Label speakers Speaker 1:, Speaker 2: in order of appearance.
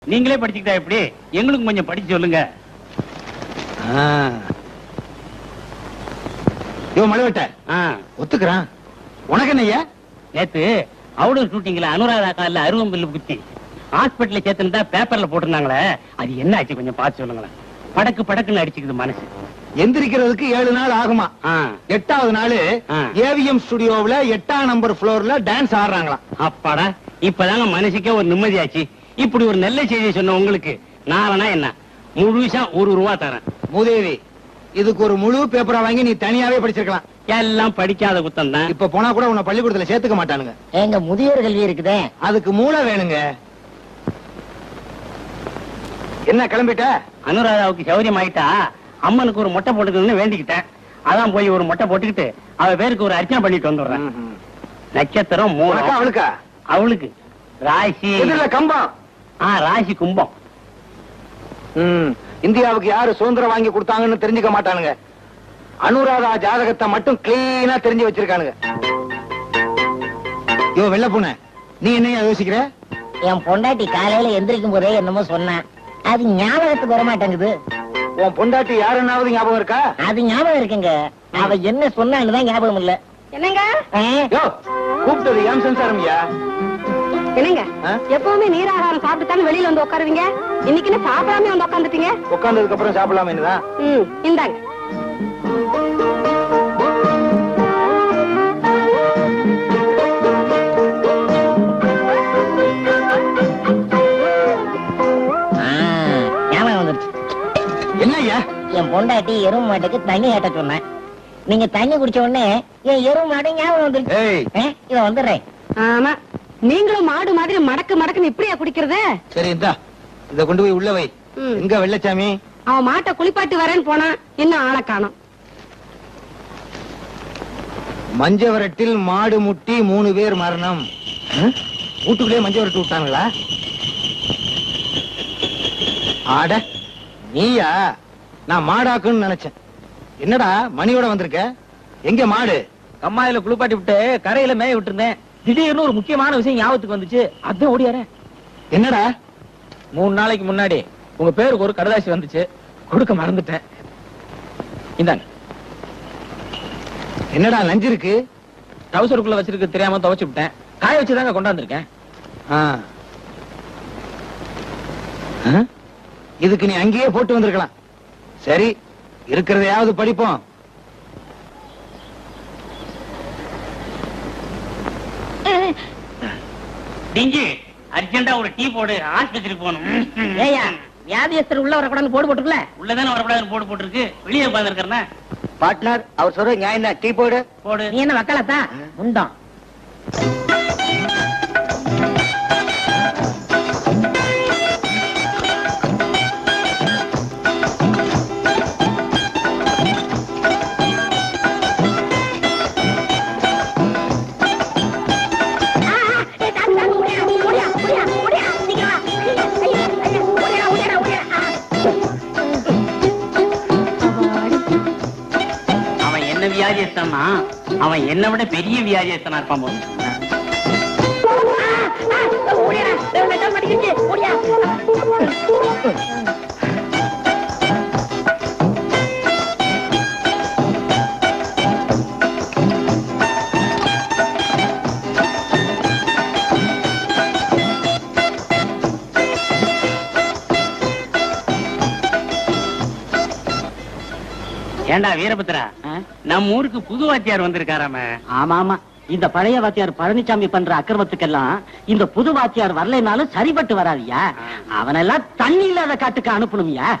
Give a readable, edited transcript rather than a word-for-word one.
Speaker 1: நீங்களே படிச்சுக்கிட்டா எப்படி? எங்களுக்கு கொஞ்சம் படிச்சு சொல்லுங்க.
Speaker 2: மலைவட்ட ஒத்துக்கிறான். உனக்கு என்னையா?
Speaker 1: நேத்து அவுடர் ஷூட்டிங்ல அனுராதா கால அருவம் பில்லு குத்தி ஹாஸ்பிட்டல்ல சேர்த்துன்னு பேப்பர்ல போட்டிருந்தாங்களே, அது என்ன ஆச்சு கொஞ்சம் பார்த்து சொல்லுங்களேன். படக்கு படக்குன்னு அடிச்சுக்குது மனசு.
Speaker 2: எந்திரிக்கிறதுக்கு 7 நாள் ஆகுமா? 8வது நாள் ஏவிஎம் ஸ்டுடியோவுல 8ஆம் நம்பர் ஃப்ளோர்ல டான்ஸ் ஆடுறாங்களாம்.
Speaker 1: அப்பாடா, இப்பதாங்க மனசுக்கே ஒரு நிம்மதியாச்சு. இப்படி ஒரு நல்ல செய்தி சொன்ன உங்களுக்கு நானா என்ன முழுசா ₹1 தரேன்.
Speaker 2: மூதேவி, இதுக்கு ஒரு முழு பேப்பரா வாங்கி நீ தனியாவே படிச்சிருக்கலாம்.
Speaker 1: எல்லாம் படிக்காத குத்தம் தான்.
Speaker 2: இப்ப போனா கூட உன்னை பள்ளிக்கூடத்துல சேர்த்துக்க மாட்டானுங்க.
Speaker 3: எங்க முதியோர் கல்வி இருக்குதே,
Speaker 2: அதுக்கு மூளை வேணுங்க. என்ன கிளம்பிட்ட?
Speaker 1: அனுராதாவுக்கு சௌரியம் ஆயிட்டா அம்மனுக்கு ஒரு மொட்டை போட்டுக்கணும்னு வேண்டிக்கிட்டேன். அதான் போய் ஒரு மொட்டை போட்டுக்கிட்டு அவ பேருக்கு ஒரு அர்ச்சனை பண்ணிட்டு வந்துடுறேன். நட்சத்திரம்
Speaker 2: அவளுக்கா?
Speaker 1: அவளுக்கு ராசி
Speaker 2: கம்பம்.
Speaker 1: ராசி கும்பம்.
Speaker 2: இந்தியாவுக்கு யாரு சுதந்திரம் வாங்கி கொடுத்தாங்கன்னு தெரிஞ்சுக்க மாட்டானுங்க. அனுராதா ஜாதகத்தை மட்டும் கிளீனா தெரிஞ்சு வச்சிருக்கானுங்க. யோ வெள்ள பூனை, நீ என்ன யோசிக்கிற?
Speaker 3: என் பொண்டாட்டி காலையில எந்திரிக்கும் போதே என்னமோ சொன்னேன், அது ஞாபகத்துக்கு வர மாட்டேங்குது.
Speaker 2: உன் பொண்டாட்டி யாருன்னாவது ஞாபகம் இருக்கா?
Speaker 3: அது ஞாபகம் இருக்குங்க, அவ என்ன சொன்னான்னு தான் ஞாபகம் இல்ல.
Speaker 4: என்னங்க
Speaker 2: கூப்பிட்டது ஏன் சம்சாரம்யா?
Speaker 4: என்னங்க எப்பவுமே நீராகாரம் சாப்பிட்டுத்தானே வெளியில வந்து உட்காருவீங்க, இன்னைக்கு என்ன சாப்பிடாம வந்து உட்காந்துட்டீங்க?
Speaker 2: உட்கார்ந்ததுக்கு அப்புறம் சாப்பிடலாமே என்னதான்?
Speaker 4: இந்தாங்க.
Speaker 3: ஞாபகம் வந்துருச்சு.
Speaker 2: என்னய்யா?
Speaker 3: என் பொண்டாட்டி எருமை மாட்டுக்கு தண்ணி ஏட்ட சொன்னேன். நீங்க தண்ணி குடிச்ச உடனே என் எருமை மாடு ஞாபகம் வந்துருச்சு. இத வந்துடுறேன்.
Speaker 4: ஆமா, நீங்களும் மாடு மாதிரி மடக்கு மடக்குன்னு இப்படியா குடிக்கிறது?
Speaker 2: சரி, இந்தா இத கொண்டு போய் உள்ள வை. எங்க வெள்ளச்சாமி?
Speaker 4: அவன் மாட்டை குளிப்பாட்டி வரேன்னு போனா இன்னும் ஆளை காணோம்.
Speaker 2: மஞ்சவரட்டில் மாடு முட்டி 3 பேர் மரணம். வீட்டுக்குள்ளே மஞ்சவரட்டு விட்டாங்களா? ஆட நீயா? நான் மாடாக்குன்னு நினைச்சேன். என்னடா மணியோட வந்திருக்க? எங்க மாடு?
Speaker 5: கம்மாயில குளிப்பாட்டி விட்டு கரையில மேய விட்டுருந்தேன். திடீர்னு ஒரு முக்கியமான விஷயம் ஞாபகத்துக்கு வந்துச்சு, அதான் ஓடியாரேன்.
Speaker 2: என்னடா?
Speaker 5: 3 நாளைக்கு முன்னாடி உங்க பேருக்கு ஒரு கடுதாசி வந்துச்சு, கொடுக்க மறந்துட்டேன். இந்தாங்க.
Speaker 2: என்னடா லஞ்சு இருக்கு?
Speaker 5: டவுசருக்குள்ள வச்சிருக்கு தெரியாம துவைச்சு விட்டேன். காய வச்சுதாங்க கொண்டாந்துருக்கேன்.
Speaker 2: இதுக்கு நீ அங்கேயே போட்டு வந்திருக்கலாம். சரி, இருக்கிறதையாவது படிப்போம்.
Speaker 1: டிங்கி, அர்ஜென்டா ஒரு டீ போடு, ஆஸ்பத்திரிக்கு போகணும்.
Speaker 3: ஏயா, வியாதியஸ்தர் உள்ள வரக்கூடாதுன்னு போடு போட்டுக்கல?
Speaker 1: உள்ளதானே வரக்கூடாதுன்னு போட்டு போட்டுருக்கு, வெளியே உட்கார்ந்து இருக்கிறேன்.
Speaker 2: பார்ட்னர், அவர் சொல்ற நியாயம் தான். டீ போடு.
Speaker 1: போடு.
Speaker 3: நீ என்ன வக்கலத்தா உண்டோம்?
Speaker 1: அவன் என்ன வியாதியஸ்தானா? அவன் என்ன விட பெரிய வியாதியஸ்தானா இருப்பான் போது. ஏண்டா வீரபத்ரா, நம்ம ஊருக்கு புது வாத்தியார் வந்திருக்காராம?
Speaker 3: ஆமா ஆமா, இந்த பழைய வாத்தியார் பழனிசாமி பண்ற அக்கிரமத்துக்கெல்லாம் இந்த புது வாத்தியார் வரலைனாலும் சரிபட்டு வராதியா. அவனெல்லாம் தண்ணி இல்லாத காட்டுக்கு அனுப்பணும்யா.